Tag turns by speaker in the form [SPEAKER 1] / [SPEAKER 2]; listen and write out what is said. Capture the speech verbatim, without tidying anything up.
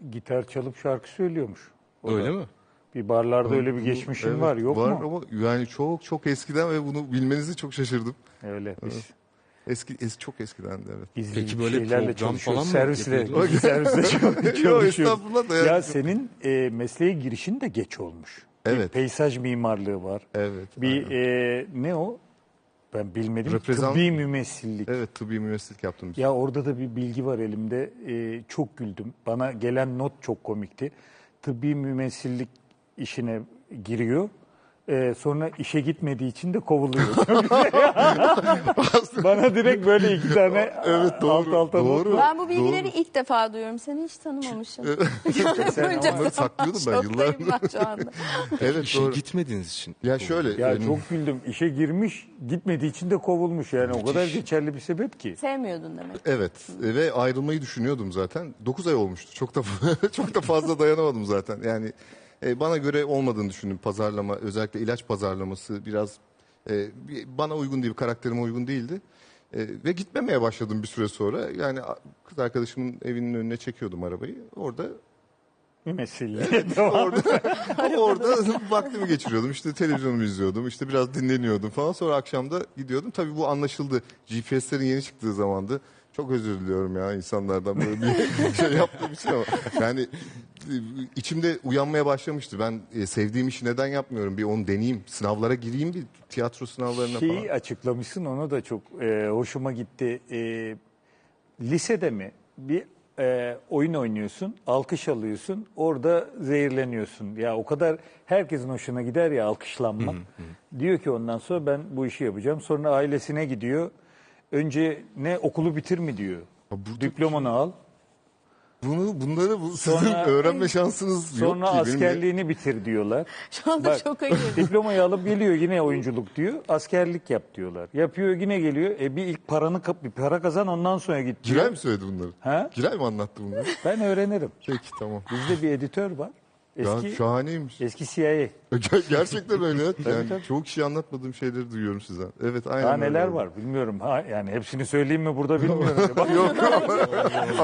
[SPEAKER 1] gitar çalıp şarkı söylüyormuş. O
[SPEAKER 2] Öyle
[SPEAKER 1] da.
[SPEAKER 2] mi?
[SPEAKER 1] Bir barlarda öyle bir
[SPEAKER 3] Bu-
[SPEAKER 1] geçmişin
[SPEAKER 3] evet,
[SPEAKER 1] var, yok
[SPEAKER 3] var
[SPEAKER 1] mu?
[SPEAKER 3] ama yani çok çok eskiden ve bunu bilmenizi çok şaşırdım.
[SPEAKER 1] Öyle biz.
[SPEAKER 3] Eski, eski çok eskiden de evet.
[SPEAKER 1] Biz
[SPEAKER 2] Peki
[SPEAKER 1] bir
[SPEAKER 2] böyle
[SPEAKER 1] şeylerle
[SPEAKER 2] program
[SPEAKER 1] çalışıyoruz.
[SPEAKER 2] falan mı
[SPEAKER 1] Servisle,
[SPEAKER 2] yapıyordunuz?
[SPEAKER 1] gizli servisle çalışıyoruz.
[SPEAKER 3] estağfurullah da
[SPEAKER 1] Ya
[SPEAKER 3] yani.
[SPEAKER 1] senin e, mesleğe girişin de geç olmuş.
[SPEAKER 3] Evet.
[SPEAKER 1] Bir peyzaj mimarlığı var.
[SPEAKER 3] Evet.
[SPEAKER 1] Bir
[SPEAKER 3] aynen.
[SPEAKER 1] e, ne o? Ben bilmedim.
[SPEAKER 3] Reprezent-
[SPEAKER 1] Tıbbi mümessillik.
[SPEAKER 3] Evet, tıbbi mümessillik yaptım.
[SPEAKER 1] Ya orada da bir bilgi var elimde. E, çok güldüm. Bana gelen not çok komikti. Tıbbi mümessillik işine giriyor. E, sonra işe gitmediği için de kovuluyor. Bana direkt böyle iki tane
[SPEAKER 3] Evet, doğru,
[SPEAKER 1] alt alta not
[SPEAKER 3] doğru.
[SPEAKER 1] var.
[SPEAKER 4] Ben bu bilgileri
[SPEAKER 3] Doğru.
[SPEAKER 4] ilk defa duyuyorum. Seni hiç tanımamışım.
[SPEAKER 1] Sen
[SPEAKER 4] Bunca
[SPEAKER 1] ama-
[SPEAKER 3] Bunları
[SPEAKER 4] zaman
[SPEAKER 3] saklıyordum ben
[SPEAKER 4] şoktayım
[SPEAKER 3] yıllardır.
[SPEAKER 4] ben şu anda.
[SPEAKER 3] Evet
[SPEAKER 2] İşe
[SPEAKER 3] doğru.
[SPEAKER 2] gitmediğiniz için.
[SPEAKER 3] Ya şöyle.
[SPEAKER 1] Ya
[SPEAKER 3] yani-
[SPEAKER 1] çok güldüm. İşe girmiş, gitmediği için de kovulmuş. Yani o kadar geçerli bir sebep ki.
[SPEAKER 4] Sevmiyordun demek.
[SPEAKER 3] Evet ve ayrılmayı düşünüyordum zaten. dokuz ay olmuştu. Çok da çok da fazla dayanamadım zaten. Yani e, bana göre olmadığını düşündüm pazarlama, özellikle ilaç pazarlaması biraz e, bir- bana uygun değil, karakterime uygun değildi. E, ve gitmemeye başladım bir süre sonra. Yani a- kız arkadaşımın evinin önüne çekiyordum arabayı. Orada
[SPEAKER 1] Mümessillik. Tamam.
[SPEAKER 3] orada orada vaktimi geçiriyordum. İşte televizyonumu izliyordum. İşte biraz dinleniyordum falan. Sonra akşam da gidiyordum. Tabii bu anlaşıldı. G P S'lerin yeni çıktığı zamandı. Çok özür diliyorum ya insanlardan böyle bir şey yaptığım için ama. Yani e, içimde uyanmaya başlamıştı. Ben e, sevdiğim işi neden yapmıyorum? Bir onu deneyeyim. Sınavlara gireyim, bir tiyatro sınavlarına
[SPEAKER 1] Şeyi
[SPEAKER 3] falan.
[SPEAKER 1] açıklamışsın, ona da çok e, hoşuma gitti. E, lisede mi bir e, oyun oynuyorsun, alkış alıyorsun, orada zehirleniyorsun. Ya o kadar herkesin hoşuna gider ya alkışlanmak. Diyor ki ondan sonra ben bu işi yapacağım. Sonra ailesine gidiyor. Önce ne okulu bitir mi diyor.
[SPEAKER 3] Ha, burada-
[SPEAKER 1] Diplomanı al.
[SPEAKER 3] Bunu bunları bu, sizin
[SPEAKER 1] Sonra-
[SPEAKER 3] öğrenme şansınız yok
[SPEAKER 1] Sonra
[SPEAKER 3] ki. Benim de-
[SPEAKER 1] askerliğini bitir diyorlar.
[SPEAKER 4] Şu anda
[SPEAKER 1] Bak,
[SPEAKER 4] çok ayırdım.
[SPEAKER 1] diplomayı alıp geliyor yine oyunculuk diyor. Askerlik yap diyorlar. Yapıyor yine geliyor. E bir ilk paranı kap, bir para kazan ondan sonra git diyor.
[SPEAKER 3] Giray mı söyledi bunları?
[SPEAKER 1] Ha?
[SPEAKER 3] Giray mı anlattı bunları?
[SPEAKER 1] Ben öğrenirim.
[SPEAKER 3] Peki tamam.
[SPEAKER 1] Bizde bir editör var. Eski
[SPEAKER 3] Ya şahaneymiş.
[SPEAKER 1] eski C I A.
[SPEAKER 3] Ger- Gerçekten öyle. Yani
[SPEAKER 1] tabii.
[SPEAKER 3] çoğu kişi anlatmadığım şeyleri duyuyorum sizden. Evet aynen
[SPEAKER 1] Daha
[SPEAKER 3] öyle
[SPEAKER 1] neler
[SPEAKER 3] oldu.
[SPEAKER 1] var bilmiyorum. Ha, yani hepsini söyleyeyim mi burada bilmiyorum. Bak,